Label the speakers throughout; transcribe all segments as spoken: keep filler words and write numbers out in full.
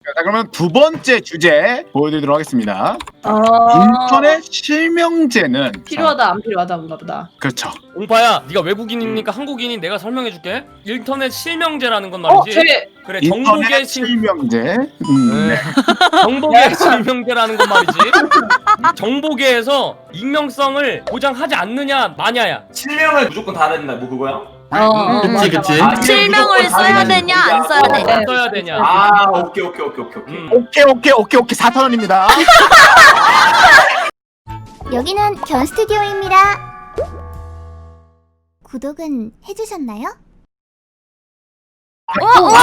Speaker 1: 자, 그러면 두 번째 주제 보여드리도록 하겠습니다.
Speaker 2: 아
Speaker 1: 인터넷 실명제는
Speaker 2: 필요하다 안 필요하다 뭔가 보다.
Speaker 1: 그렇죠.
Speaker 3: 옹파야, 네가 외국인이니까 한국인인 내가 설명해줄게. 인터넷 실명제라는 건
Speaker 2: 어,
Speaker 3: 말이지.
Speaker 2: 제
Speaker 3: 그래, 정보계
Speaker 1: 인터넷
Speaker 3: 실
Speaker 1: 실명제. 음,
Speaker 3: 네.
Speaker 1: 네.
Speaker 3: 정보계 실명제라는 건 말이지. 정보계에서 익명성을 보장하지 않느냐 마냐야.
Speaker 4: 실명을 무조건 다 된다 뭐 그거야?
Speaker 2: 어,
Speaker 5: 그치 그치.
Speaker 4: 아,
Speaker 6: 실명을
Speaker 4: 무조건 다
Speaker 6: 써야
Speaker 4: 되는
Speaker 6: 되냐 안
Speaker 4: 거야?
Speaker 6: 써야
Speaker 2: 어,
Speaker 6: 되냐.
Speaker 2: 네.
Speaker 3: 써야 되냐.
Speaker 4: 아 오케이 오케이 오케이 오케이 오케이.
Speaker 3: 음.
Speaker 1: 오케이 오케이 오케이 오케이 사천 원입니다.
Speaker 7: 여기는 견 스튜디오입니다. 구독은 해주셨나요?
Speaker 6: 와, 와!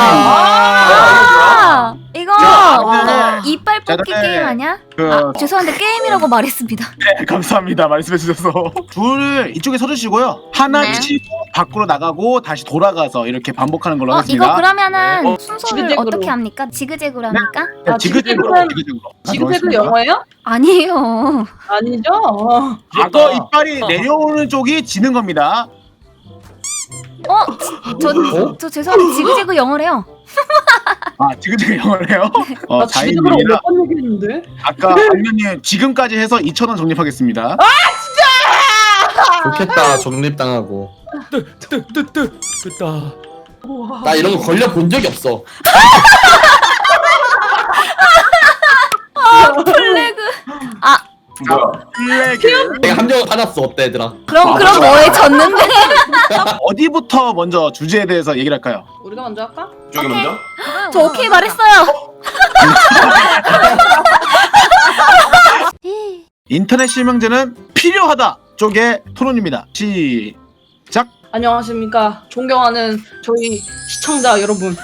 Speaker 6: 아, 이거
Speaker 1: 야,
Speaker 6: 그 이빨 뽑기
Speaker 1: 자, 네.
Speaker 6: 게임 아니야?
Speaker 1: 그
Speaker 6: 아, 죄송한데 게임이라고 말했습니다.
Speaker 1: 네, 감사합니다. 말씀해 주셔서 둘 이쪽에 서주시고요. 하나
Speaker 6: 네.
Speaker 1: 치고 밖으로 나가고 다시 돌아가서 이렇게 반복하는 걸로
Speaker 6: 어,
Speaker 1: 하겠습니다.
Speaker 6: 이거 그러면은
Speaker 3: 네. 어,
Speaker 6: 순서를
Speaker 2: 지그재그로.
Speaker 6: 어떻게 합니까? 지그재그로 합니까?
Speaker 1: 네,
Speaker 2: 아,
Speaker 1: 지그재그로
Speaker 2: 지그재그는-
Speaker 1: 지그재그로.
Speaker 2: 지금도 영어예요?
Speaker 6: 아니에요.
Speaker 2: 아니죠? 어.
Speaker 1: 악어 이빨이 내려오는 쪽이 지는 겁니다.
Speaker 6: 어? 저, 저 죄송한데 지그재그 영어래요.
Speaker 1: 아 지그재그 영어래요? 어,
Speaker 2: 나 지금으로
Speaker 1: 자인님이라
Speaker 2: 몇번 얘기했는데.
Speaker 1: 아까 안면님 지금까지 해서 이천 원 적립하겠습니다.
Speaker 5: 좋겠다 적립당하고.
Speaker 3: 뜨뜨뜨뜨 됐다.
Speaker 5: 나 이런 거 걸려 본 적이 없어.
Speaker 6: 플래그. 아,
Speaker 4: 뭐야?
Speaker 1: 플래그
Speaker 5: 내가 함정을 받았어. 어때 얘들아?
Speaker 6: 그럼 그럼 뭐에 졌는데?
Speaker 1: 어디부터 먼저 주제에 대해서 얘기를 할까요?
Speaker 2: 우리가 먼저 할까?
Speaker 4: 저기
Speaker 6: 오케이.
Speaker 4: 먼저?
Speaker 6: 저 오케이 말했어요.
Speaker 1: 인터넷 실명제는 필요하다 쪽의 토론입니다. 시작.
Speaker 2: 안녕하십니까 존경하는 저희 시청자 여러분.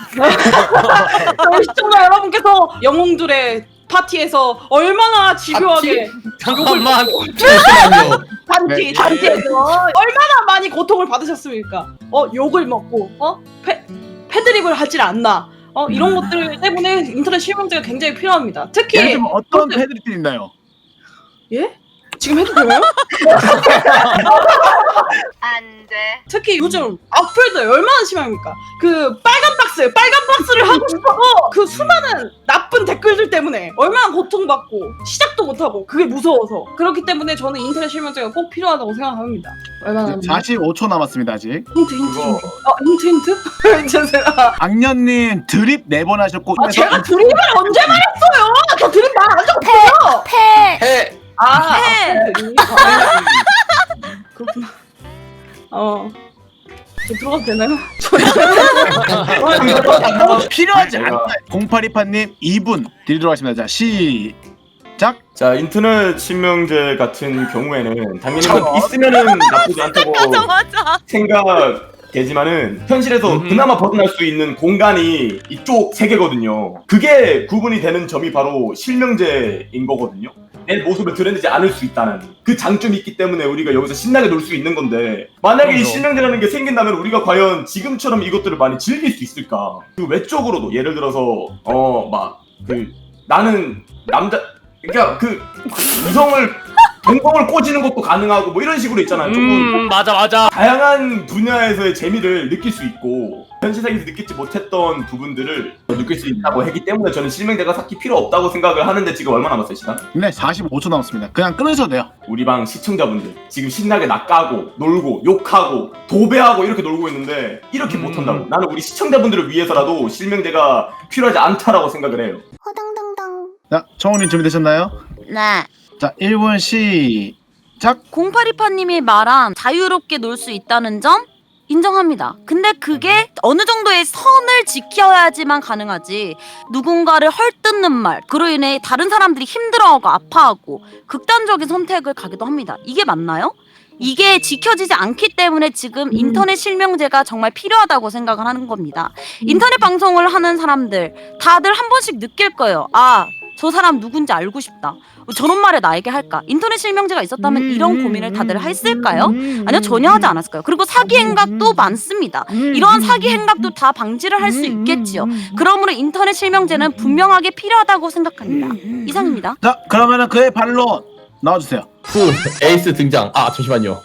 Speaker 2: 저희 시청자 여러분께서 영웅들의 파티에서 얼마나 집요하게
Speaker 3: 잠깐만.
Speaker 5: 잠시만요.
Speaker 2: 단티
Speaker 1: 네.
Speaker 2: 단티에서 얼마나 많이 고통을 받으셨습니까? 어 욕을 먹고 어 패, 패드립을 하질 않나 어 이런 것들 때문에 인터넷 실명제가 굉장히 필요합니다. 특히
Speaker 1: 예를 들면 어떤
Speaker 2: 그렇게-
Speaker 1: 패드립이 있나요?
Speaker 2: 예? 지금 해도 되나요?
Speaker 6: 안 돼.
Speaker 2: 특히 요즘 악플들 얼마나 심합니까? 그 빨간 박스, 빨간 박스를 하고 싶어서 그 수많은 나쁜 댓글들 때문에 얼마나 고통받고 시작도 못하고 그게 무서워서 그렇기 때문에 저는 인터넷 실명제가 꼭 필요하다고 생각합니다. 얼마나 남았나?
Speaker 1: 사십오 초 남았습니다 아직.
Speaker 2: 힌트 힌트
Speaker 4: 그거-
Speaker 2: 힌트. 아 힌트 힌트? 죄송해요.
Speaker 1: 악년님 드립 네 번 하셨고
Speaker 2: 아 제가 드립을 언제 말했어요? 저 드립 말안 적어요.
Speaker 6: 패.
Speaker 5: 해.
Speaker 2: 아
Speaker 6: 해.
Speaker 2: 드립? 아, 그렇구나. 어. 저 들어가도 되나요?
Speaker 1: 필요하지
Speaker 4: 내가-
Speaker 1: 않다. 공팔이팔님 이 분 드리도록 하겠습니다. 자 시작.
Speaker 4: 자 인터넷 실명제 같은 경우에는 당연히
Speaker 1: 저거.
Speaker 4: 그 있으면은 나쁘지 않다고
Speaker 6: 맞아.
Speaker 4: 생각되지만은 현실에서
Speaker 3: 음.
Speaker 4: 그나마 벗어날 수 있는 공간이 이쪽 세 개거든요. 그게 구분이 되는 점이 바로 실명제인 거거든요. 내 모습을 드러내지 않을 수 있다는 그 장점이 있기 때문에 우리가 여기서 신나게 놀 수 있는 건데 만약에 이
Speaker 3: 그럼요.
Speaker 4: 실명제라는 게 생긴다면 우리가 과연 지금처럼 이것들을 많이 즐길 수 있을까? 그 외적으로도 예를 들어서 어 막 그 나는 남자 그러니까 그 이성을 동공을 꽂이는 것도 가능하고 뭐 이런 식으로 있잖아요. 조금
Speaker 3: 음, 맞아 맞아.
Speaker 4: 다양한 분야에서의 재미를 느낄 수 있고 현 세상에서 느끼지 못했던 부분들을 느낄 수 있다고 하기 때문에 저는 실명제가 딱히 필요 없다고 생각을 하는데 지금 얼마 남았어요 시간?
Speaker 1: 네 사십오 초 남았습니다. 그냥 끊으셔도 돼요.
Speaker 4: 우리 방 시청자분들 지금 신나게 낚아고 놀고 욕하고 도배하고 이렇게 놀고 있는데 이렇게
Speaker 3: 음.
Speaker 4: 못한다고 나는 우리 시청자분들을 위해서라도 실명제가 필요하지 않다라고 생각을 해요.
Speaker 7: 허당당당.
Speaker 1: 자 청훈님 준비되셨나요?
Speaker 6: 네.
Speaker 1: 자 일 분 시작.
Speaker 6: 공팔이팔님이 말한 자유롭게 놀 수 있다는 점 인정합니다. 근데 그게 어느 정도의 선을 지켜야지만 가능하지 누군가를 헐뜯는 말 그로 인해 다른 사람들이 힘들어하고 아파하고 극단적인 선택을 가기도 합니다. 이게 맞나요? 이게 지켜지지 않기 때문에 지금 인터넷 실명제가 정말 필요하다고 생각을 하는 겁니다. 인터넷 방송을 하는 사람들 다들 한 번씩 느낄 거예요. 아, 저 사람 누군지 알고 싶다. 저런 말을 나에게 할까? 인터넷 실명제가 있었다면 이런 고민을 다들 했을까요? 아니요, 전혀 하지 않았을까요? 그리고 사기 행각도 많습니다. 이러한 사기 행각도 다 방지를 할 수 있겠지요. 그러므로 인터넷 실명제는 분명하게 필요하다고 생각합니다. 이상입니다.
Speaker 1: 자 그러면은 그의 반론 나와주세요.
Speaker 5: 후 에이스 등장. 아 잠시만요.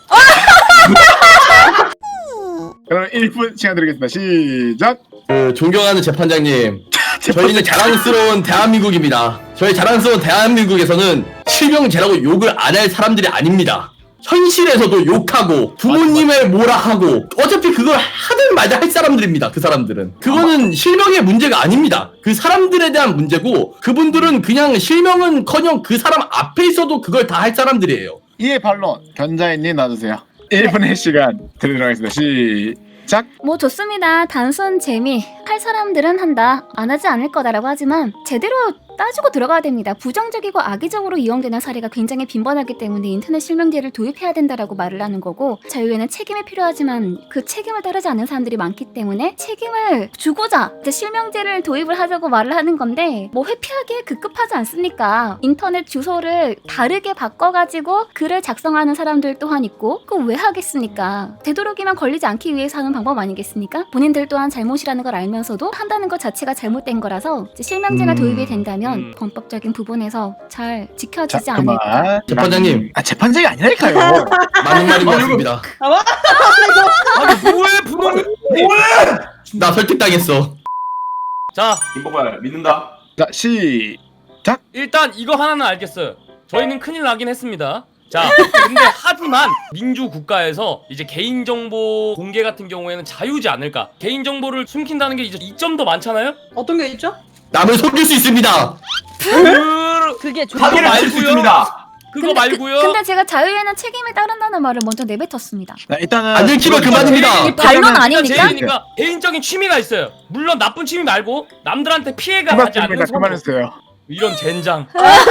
Speaker 1: 그러면 일 분 시간 드리겠습니다. 시작.
Speaker 5: 그 존경하는 재판장님. 저희는 자랑스러운 대한민국입니다. 저희 자랑스러운 대한민국에서는 실명제라고 욕을 안 할 사람들이 아닙니다. 현실에서도 욕하고 부모님을 뭐라 하고 어차피 그걸 하든 말든 할 사람들입니다. 그 사람들은 그거는 실명의 문제가 아닙니다. 그 사람들에 대한 문제고 그분들은 그냥 실명은커녕 그 사람 앞에 있어도 그걸 다 할 사람들이에요.
Speaker 1: 이에 반론 견자인님 놔주세요. 일 분의 시간 드리도록 하겠습니다. 시작.
Speaker 8: 뭐 좋습니다. 단순 재미. 할 사람들은 한다. 안 하지 않을 거다라고 하지만 제대로 따지고 들어가야 됩니다. 부정적이고 악의적으로 이용되는 사례가 굉장히 빈번하기 때문에 인터넷 실명제를 도입해야 된다라고 말을 하는 거고 자유에는 책임이 필요하지만 그 책임을 따르지 않는 사람들이 많기 때문에 책임을 주고자 이제 실명제를 도입을 하자고 말을 하는 건데 뭐 회피하기에 급급하지 않습니까? 인터넷 주소를 다르게 바꿔가지고 글을 작성하는 사람들 또한 있고 그거 왜 하겠습니까? 되도록이면 걸리지 않기 위해서 하는 방법 아니겠습니까? 본인들 또한 잘못이라는 걸 알면서도 한다는 것 자체가 잘못된 거라서 이제 실명제가
Speaker 1: 음.
Speaker 8: 도입이 된다면
Speaker 3: 음.
Speaker 8: 법적인 부분에서 잘 지켜지지
Speaker 1: 자,
Speaker 8: 않을까.
Speaker 1: 그만.
Speaker 5: 재판장님.
Speaker 1: 아 재판장이 아니랄까요.
Speaker 5: 맞는 말인 것 같습니다.
Speaker 3: 아니 뭐해 분홍이.
Speaker 5: 나 설득당했어.
Speaker 3: 자
Speaker 4: 김보발 믿는다.
Speaker 1: 자 시작.
Speaker 3: 일단 이거 하나는 알겠어요. 저희는 큰일 나긴 했습니다. 자, 근데 하지만 민주국가에서 이제 개인정보 공개 같은 경우에는 자유지 않을까? 개인정보를 숨긴다는 게 이제 이점도 많잖아요?
Speaker 2: 어떤 게 있죠?
Speaker 5: 남을 속일 수 있습니다.
Speaker 3: 그...
Speaker 6: 그게 좀
Speaker 4: 파기를 칠 수
Speaker 3: 말고요.
Speaker 4: 있습니다.
Speaker 3: 그거
Speaker 8: 근데,
Speaker 3: 말고요.
Speaker 8: 그, 근데 제가 자유에는 책임을 따른다는 말을 먼저 내뱉었습니다.
Speaker 1: 자, 일단은
Speaker 5: 안 들키면 그만입니다.
Speaker 3: 개인-
Speaker 8: 반론
Speaker 3: 일단
Speaker 8: 아닙니까?
Speaker 3: 제이니까 개인적인 취미가 있어요. 물론 나쁜 취미 말고 남들한테 피해가 가지 않는
Speaker 1: 그만입니다.
Speaker 3: 선거.
Speaker 1: 그만했어요.
Speaker 3: 이런 젠장.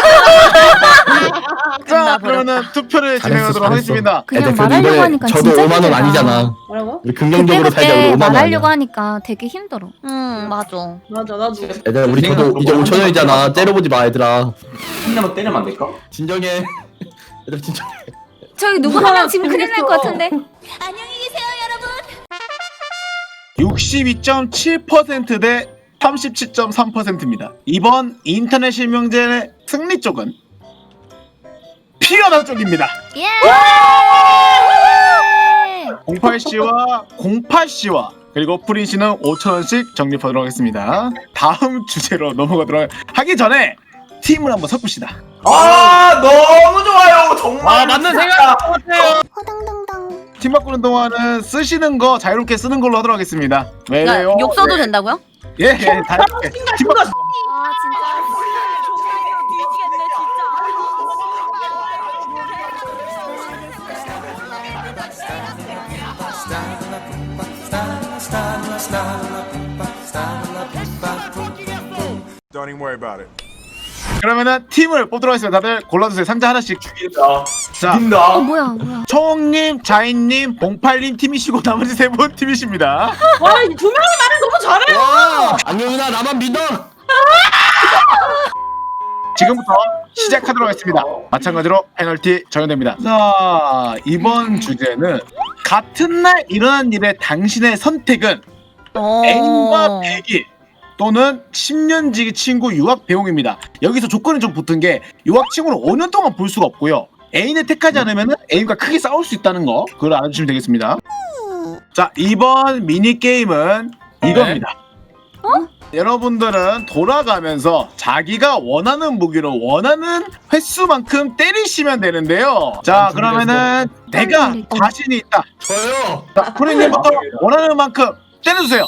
Speaker 1: 자 그러면은 투표를 진행하도록
Speaker 5: 잘했어.
Speaker 1: 하겠습니다.
Speaker 8: 그냥
Speaker 5: 애들 그래도
Speaker 8: 말하려고
Speaker 5: 이번에
Speaker 8: 하니까
Speaker 5: 저도
Speaker 8: 진짜
Speaker 5: 오만 원
Speaker 8: 힘들다.
Speaker 5: 아니잖아.
Speaker 2: 뭐라고?
Speaker 5: 우리 긍정적으로 살자. 우리
Speaker 8: 그때
Speaker 5: 오만 원
Speaker 8: 말하려고
Speaker 5: 아니야.
Speaker 8: 하니까 되게 힘들어.
Speaker 6: 음 맞아.
Speaker 2: 맞아 나도.
Speaker 5: 얘들아 우리 저도 이제 오천 원이잖아. 때려보지 마 얘들아.
Speaker 4: 한명만 때리면 안 될까?
Speaker 5: 진정해. 얘들아 진정해.
Speaker 8: 저기 누구 한 명 지금 큰일 날 것 같은데.
Speaker 7: 안녕히 계세요, 여러분.
Speaker 1: 육십이 점 칠 퍼센트 대 삼십칠 점 삼 퍼센트입니다. 이번 인터넷 실명제의 승리 쪽은 피어나 쪽입니다.
Speaker 8: 예.
Speaker 1: 공팔 씨와 공팔 씨와 그리고 프린 씨는 오천 원씩 적립하도록 하겠습니다. 다음 주제로 넘어가도록 하기 전에 팀을 한번 섞읍시다.
Speaker 4: 아 너무 좋아요. 정말.
Speaker 3: 아 맞는 생각 같아요.
Speaker 7: 호당당당.
Speaker 1: 팀 바꾸는 동안은 쓰시는 거 자유롭게 쓰는 걸로 하도록 하겠습니다.
Speaker 6: 그러니까
Speaker 1: 왜요?
Speaker 6: 욕 써도 된다고요?
Speaker 1: 예, 예, 다 이렇게. 팀 바꾸는 거.
Speaker 8: 아 진짜.
Speaker 9: Don't even worry about it.
Speaker 1: 그러면은 팀을 뽑도록 하겠습니다. 다들 골라주세요. 상자 하나씩.
Speaker 4: 죽인다.
Speaker 1: 자,
Speaker 4: 죽인다.
Speaker 8: 어 뭐야 뭐야.
Speaker 1: 초홍님, 자인님, 봉팔님 팀이시고 나머지 세 분 팀이십니다.
Speaker 2: 와 이 두 명이 말을 너무 잘해.
Speaker 5: 와 안녕누나 나만 믿어.
Speaker 1: 지금부터 시작하도록 하겠습니다. 마찬가지로 페널티 적용됩니다. 자, 이번 주제는 같은 날 일어난 일의 당신의 선택은
Speaker 6: 어.
Speaker 1: 애인과 배기 또는 십 년 지기 친구 유학 배웅입니다. 여기서 조건이 좀 붙은 게 유학 친구를 오 년 동안 볼 수가 없고요. 애인을 택하지 않으면 애인과 크게 싸울 수 있다는 거 그걸 알아주시면 되겠습니다. 자, 이번 미니게임은 이겁니다. 여러분들은 돌아가면서 자기가 원하는 무기로 원하는 횟수만큼 때리시면 되는데요. 자, 그러면은 내가 자신이 있다.
Speaker 5: 저요.
Speaker 1: 자, 프리님부터 원하는 만큼 때려주세요.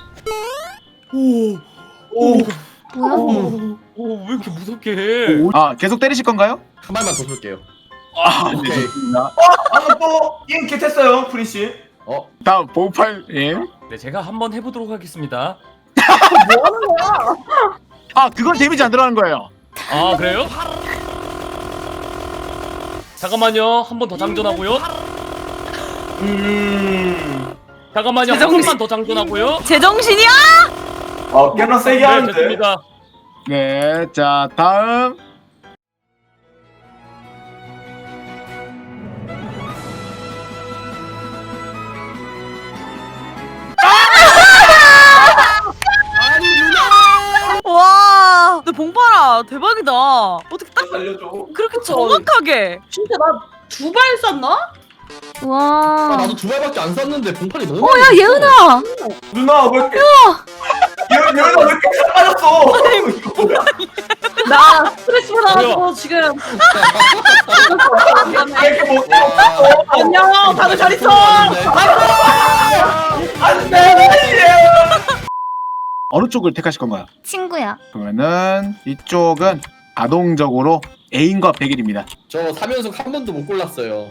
Speaker 4: 오.
Speaker 8: 뭐야?
Speaker 3: 오왜 이렇게 무섭게 해?
Speaker 1: 아, 계속 때리실 건가요?
Speaker 5: 한 발만 더 쏠게요.
Speaker 1: 아,
Speaker 5: 오케이.
Speaker 1: 좋습니다.
Speaker 4: 방금 또 게임 겟했어요, 프린 씨.
Speaker 5: 어
Speaker 1: 다음 봉팔님.
Speaker 3: 네 제가 한번 해보도록 하겠습니다.
Speaker 1: 아, 그건 데미지 안 들어가는 거예요.
Speaker 3: 아 그래요? 잠깐만요 한 번 더 장전하고요.
Speaker 4: 음.
Speaker 3: 잠깐만요 한 번만 더 장전하고요.
Speaker 6: 제정신이야?
Speaker 4: 아 꽤나 세게
Speaker 3: 네
Speaker 4: 하는데.
Speaker 3: 됐습니다.
Speaker 1: 네, 자, 다음.
Speaker 6: 와, 너 봉파라 대박이다. 어떻게 딱
Speaker 4: 살려줘.
Speaker 6: 그렇게 정확하게?
Speaker 2: 진짜 나 두 발 쐈나?
Speaker 5: 아,
Speaker 8: 와.
Speaker 5: 나도 두 발밖에 안 쐈는데 봉팔이 너무.
Speaker 8: 어야 예은아.
Speaker 4: 누나 왜 이렇게? 예은아 여기다 왜 이렇게 빠졌어? 이거 뭐야?
Speaker 2: 나 스트레스 받아가지고 지금.
Speaker 4: 왜 이렇게 못
Speaker 2: 안녕, 다들 잘 있어.
Speaker 1: 어느 쪽을 택하실 건가요?
Speaker 8: 친구야.
Speaker 1: 그러면은 이쪽은 자동적으로 애인과 백일입니다.
Speaker 5: 저 삼 연속 한 번도 못 골랐어요.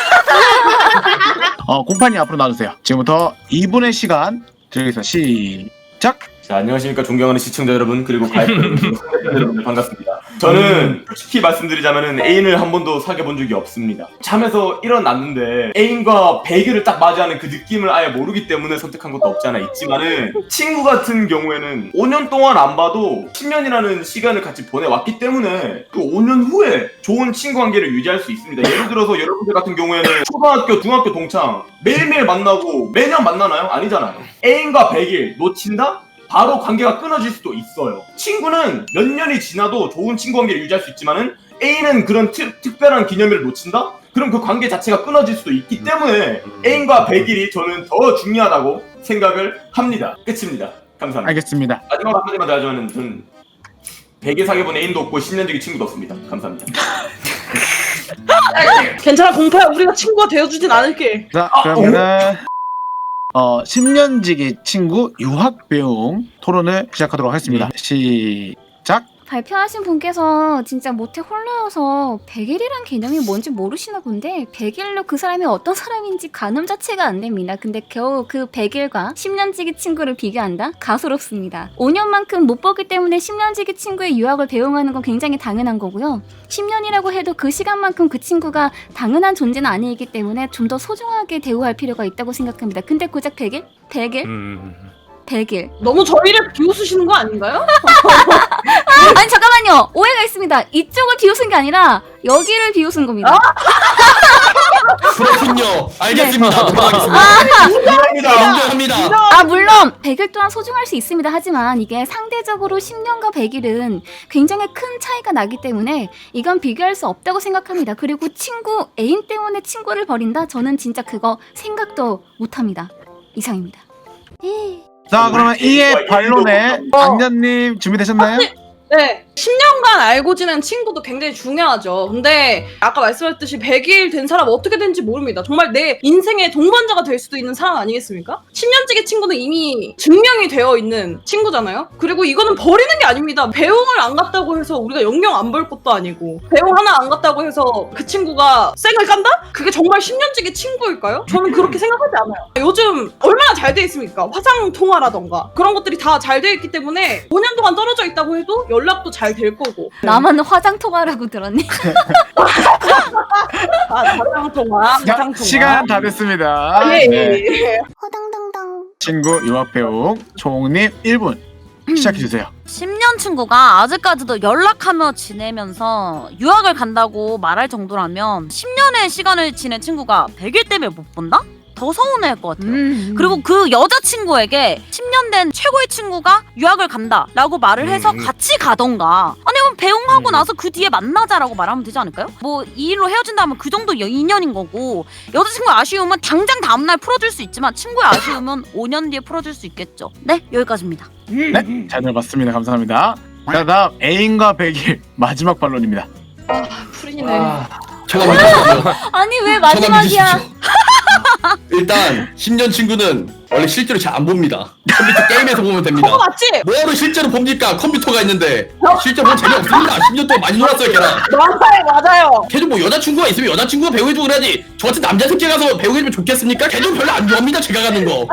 Speaker 1: 어, 공판이 앞으로 나와주세요. 지금부터 이 분의 시간 드리겠습니다. 시작!
Speaker 4: 자, 안녕하십니까 존경하는 시청자 여러분 그리고 가입자 여러분 반갑습니다. 저는 솔직히 말씀드리자면은 애인을 한 번도 사귀어 본 적이 없습니다. 잠에서 일어났는데 애인과 배기를 딱 맞이하는 그 느낌을 아예 모르기 때문에 선택한 것도 없지 않아 있지만은 친구 같은 경우에는 오 년 동안 안 봐도 십 년이라는 시간을 같이 보내왔기 때문에 그 오 년 후에 좋은 친구 관계를 유지할 수 있습니다. 예를 들어서 여러분들 같은 경우에는 초등학교, 중학교 동창 매일매일 만나고 매년 만나나요? 아니잖아요. 애인과 백 일 놓친다? 바로 관계가 끊어질 수도 있어요. 친구는 몇 년이 지나도 좋은 친구 관계를 유지할 수 있지만은 A는 그런 특, 특별한 기념일을 놓친다? 그럼 그 관계 자체가 끊어질 수도 있기 때문에 애인과 백 일이 저는 더 중요하다고 생각을 합니다. 끝입니다. 감사합니다.
Speaker 1: 알겠습니다.
Speaker 4: 마지막으로 한마디만 더 하자면 저는 백 일 사귀어본 애인도 없고 십 년지기 친구도 없습니다. 감사합니다.
Speaker 2: 괜찮아, 공파야. 우리가 친구가 되어주진 않을게.
Speaker 1: 자, 그러면은 어, 십 년지기 친구 유학 배움 토론을 시작하도록 하겠습니다. 시작!
Speaker 8: 발표하신 분께서 진짜 모태 홀로여서 백일이란 개념이 뭔지 모르시나 본데 백일로 그 사람이 어떤 사람인지 가늠 자체가 안 됩니다. 근데 겨우 그 백일과 십 년지기 친구를 비교한다? 가소롭습니다. 오 년만큼 못 보기 때문에 십 년지기 친구의 유학을 배웅하는 건 굉장히 당연한 거고요. 십 년이라고 해도 그 시간만큼 그 친구가 당연한 존재는 아니기 때문에 좀 더 소중하게 대우할 필요가 있다고 생각합니다. 근데 고작 백일? 백일?
Speaker 3: 음.
Speaker 8: 백일.
Speaker 2: 너무 저희를 비웃으시는 거 아닌가요?
Speaker 8: 아니 잠깐만요. 오해가 있습니다. 이쪽을 비웃은 게 아니라 여기를 비웃은 겁니다.
Speaker 5: 그렇군요. 알겠습니다.
Speaker 3: 네.
Speaker 5: 넘어가겠습니다.
Speaker 4: 인정합니다.
Speaker 5: 인정합니다.
Speaker 8: 아 물론 백일 또한 소중할 수 있습니다. 하지만 이게 상대적으로 십 년과 백일은 굉장히 큰 차이가 나기 때문에 이건 비교할 수 없다고 생각합니다. 그리고 친구 애인 때문에 친구를 버린다? 저는 진짜 그거 생각도 못합니다. 이상입니다.
Speaker 1: 자, 그러면 이의 반론에 악녀님 준비되셨나요?
Speaker 2: 네. 십 년간 알고 지낸 친구도 굉장히 중요하죠. 근데 아까 말씀하셨듯이 백 일 된 사람 어떻게 된지 모릅니다. 정말 내 인생의 동반자가 될 수도 있는 사람 아니겠습니까? 십 년지기 친구는 이미 증명이 되어 있는 친구잖아요. 그리고 이거는 버리는 게 아닙니다. 배웅을 안 갔다고 해서 우리가 영영 안 볼 것도 아니고 배웅 하나 안 갔다고 해서 그 친구가 쌩을 깐다? 그게 정말 십 년지기 친구일까요? 저는 그렇게 생각하지 않아요. 요즘 얼마나 잘 돼 있습니까? 화상통화라던가 그런 것들이 다 잘 돼 있기 때문에 오 년 동안 떨어져 있다고 해도 연락도 잘 될 거고.
Speaker 8: 나만 화장통화라고 들었니?
Speaker 2: 아, 화상통화,
Speaker 1: 자,
Speaker 2: 화상통화.
Speaker 1: 시간 다 됐습니다.
Speaker 2: 아, 예,
Speaker 1: 네.
Speaker 2: 예, 예.
Speaker 7: 호당당당.
Speaker 1: 친구 유학 배움 총님 일 분 시작해주세요.
Speaker 6: 십 년 친구가 아직까지도 연락하며 지내면서 유학을 간다고 말할 정도라면 십 년의 시간을 지낸 친구가 백 일 때문에 못 본다? 더 서운해할 것 같아요.
Speaker 8: 음.
Speaker 6: 그리고 그 여자친구에게 십 년 된 최고의 친구가 유학을 간다 라고 말을 해서
Speaker 3: 음.
Speaker 6: 같이 가던가 아니면 배웅하고
Speaker 3: 음.
Speaker 6: 나서 그 뒤에 만나자라고 말하면 되지 않을까요? 뭐 이 일로 헤어진다면 그 정도 여- 인연인 거고 여자친구의 아쉬움은 당장 다음날 풀어줄 수 있지만 친구의 아쉬움은 오 년 뒤에 풀어줄 수 있겠죠. 네, 여기까지입니다.
Speaker 1: 네, 잘 들어봤습니다. 감사합니다. 자, 다음 애인과 백일 마지막 반론입니다.
Speaker 2: 풀이네.
Speaker 5: 저만 믿으십시오.
Speaker 8: 아니 왜
Speaker 5: 저만
Speaker 8: 마지막이야?
Speaker 5: 믿으십시오. 일단 십 년 친구는 원래 실제로 잘 안 봅니다. 컴퓨터 게임에서 보면 됩니다.
Speaker 2: 그거 맞지?
Speaker 5: 뭐하러 실제로 봅니까? 컴퓨터가 있는데 실제로 보면 재미없습니다. 십 년 동안 많이 놀았어요 걔랑.
Speaker 2: 맞아요, 맞아요.
Speaker 5: 걔도 뭐 여자친구가 있으면 여자친구가 배우해주고 그래야지 저 같은 남자 새끼 가서 배우해주면 좋겠습니까? 걔도 별로 안 좋아합니다 제가 가는 거.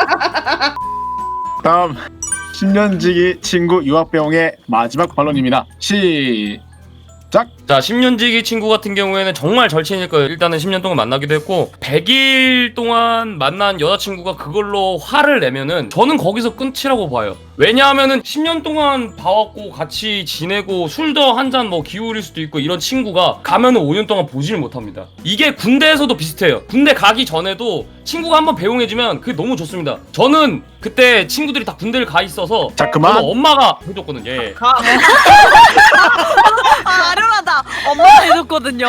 Speaker 1: 다음 십 년지기 친구 유학 배움의 마지막 반론입니다. 시작!
Speaker 3: 자, 십 년지기 친구 같은 경우에는 정말 절친일 거예요. 일단은 십 년 동안 만나기도 했고 백 일 동안 만난 여자친구가 그걸로 화를 내면은 저는 거기서 끝이라고 봐요. 왜냐하면은 십 년 동안 봐왔고 같이 지내고 술도 한 잔 뭐 기울일 수도 있고 이런 친구가 가면은 오 년 동안 보지를 못합니다. 이게 군대에서도 비슷해요. 군대 가기 전에도 친구가 한번 배웅해주면 그게 너무 좋습니다. 저는 그때 친구들이 다 군대를 가 있어서
Speaker 1: 자, 그만.
Speaker 3: 저는 엄마가 해줬거든요. 예.
Speaker 2: 가.
Speaker 6: 아, 아련하다. 엄마가 해줬거든요.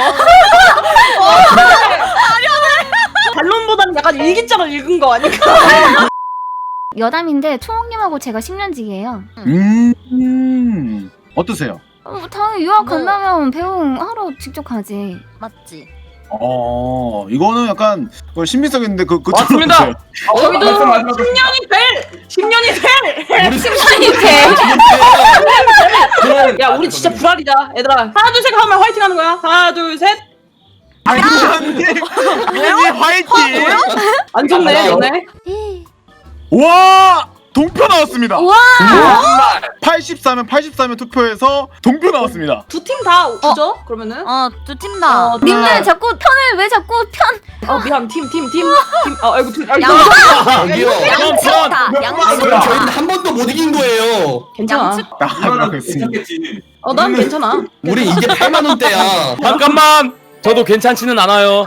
Speaker 2: 반론보다는 약간 일기장을 읽은 거 아닐까?
Speaker 8: 여담인데 초홍님하고 제가 십 년지기예요.
Speaker 1: 음, 음. 어떠세요?
Speaker 8: 어, 당연히 유학
Speaker 6: 뭐.
Speaker 8: 간다면 배웅 하러 직접 가지.
Speaker 6: 맞지?
Speaker 1: 어, 이거는 약간 그 신빙성 있는데 그 그.
Speaker 3: 맞습니다.
Speaker 1: 어떠세요?
Speaker 2: 저희도
Speaker 4: 말씀 마지막
Speaker 2: 십 년이 될! 십 년이 될!
Speaker 8: 심판이 돼.
Speaker 2: 야 우리 진짜 불알이다 얘들아. 하나 둘 셋 하면 화이팅 하는 거야. 하나 둘 셋.
Speaker 1: 아니 아니 화이팅!
Speaker 2: 안 좋네
Speaker 5: 알아요.
Speaker 2: 너네.
Speaker 1: 와 동표 나왔습니다.
Speaker 8: 와.
Speaker 1: 팔십사면 팔십사면 투표해서 동표 나왔습니다.
Speaker 2: 두 팀 다 주죠? 그러면은?
Speaker 6: 어두 팀 다.
Speaker 2: 어,
Speaker 8: 님들
Speaker 2: 네.
Speaker 8: 자꾸 편을 왜 자꾸 편?
Speaker 2: 어 미안 팀 팀 팀 팀. 아 아이고 팀. 아,
Speaker 6: 양-
Speaker 5: 저기요.
Speaker 6: 양측다.
Speaker 4: 몇
Speaker 6: 양측.
Speaker 4: 번
Speaker 5: 그럼 저희는 한 번도 못 이긴 거예요.
Speaker 2: 괜찮아.
Speaker 6: 양측.
Speaker 1: 나가고 있습니다.
Speaker 4: 괜찮겠지.
Speaker 2: 어 난 괜찮아.
Speaker 5: 우리 이제 팔만 원대야.
Speaker 3: 잠깐만. 저도 괜찮지는 않아요.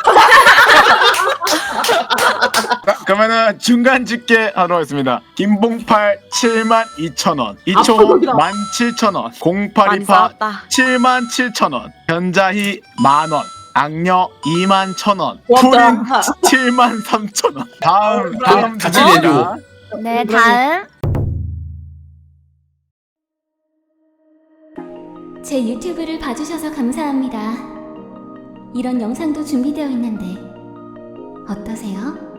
Speaker 1: 자, 그러면은 중간 집계 하도록 하겠습니다. 김봉팔 칠만 이천 원, 이초호 만 칠천 원,
Speaker 6: 많이
Speaker 1: 공팔이파
Speaker 6: 싸웠다.
Speaker 1: 칠만 칠천 원, 변자희 만 원, 악녀 이만 천 원,
Speaker 2: 고맙다.
Speaker 1: 푸린 칠만 삼천 원. 다음 다음
Speaker 5: 같이
Speaker 1: 주제입니다.
Speaker 5: 내줘.
Speaker 8: 네 다음. 제 유튜브를 봐주셔서 감사합니다. 이런 영상도 준비되어 있는데 어떠세요?